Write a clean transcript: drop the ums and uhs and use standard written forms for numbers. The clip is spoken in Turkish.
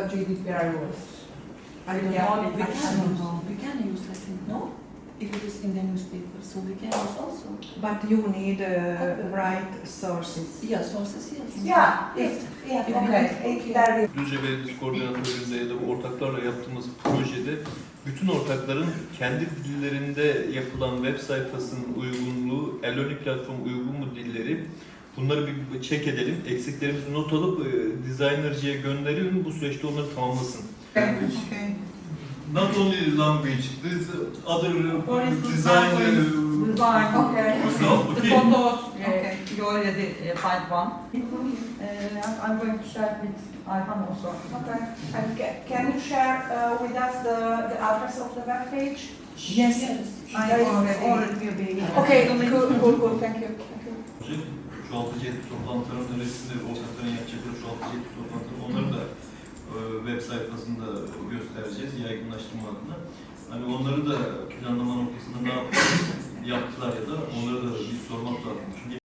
GDPR rules. I don't Yeah, know. we can We can use, I think, no? If it is in the newspaper, so we can use also. But you need right sources. Yeah, sources, yes. Yeah, if there is. Düzce Belediyesi koordinatörlüğünde ya da ortaklarla yaptığımız projede bütün ortakların kendi dillerinde yapılan web sayfasının uygunluğu, e-learning platform uygun mu dilleri, bunları bir check edelim. Eksiklerimizi not alıp designer'cıya gönderiyorum. Bu süreçte onları tamamlasın. Okay. Not only language, this other For instance, design. Design, okay. So, The okay. photos, Okay. you already find one. I'm going to share with Ayhan also. Okay. And can you share with us the address of the web page? Yes, Yes. I There is already will be. Okay, cool. Thank you. Çoğaltıcı etki toplantılarının öncesinde ortakların yapacakları çoğaltıcı etki toplantıları, onları da web sayfasında göstereceğiz yaygınlaştırma adına. Hani onları da planlama noktasında ne yaptılar ya da onları da bir sormak lazım. Çünkü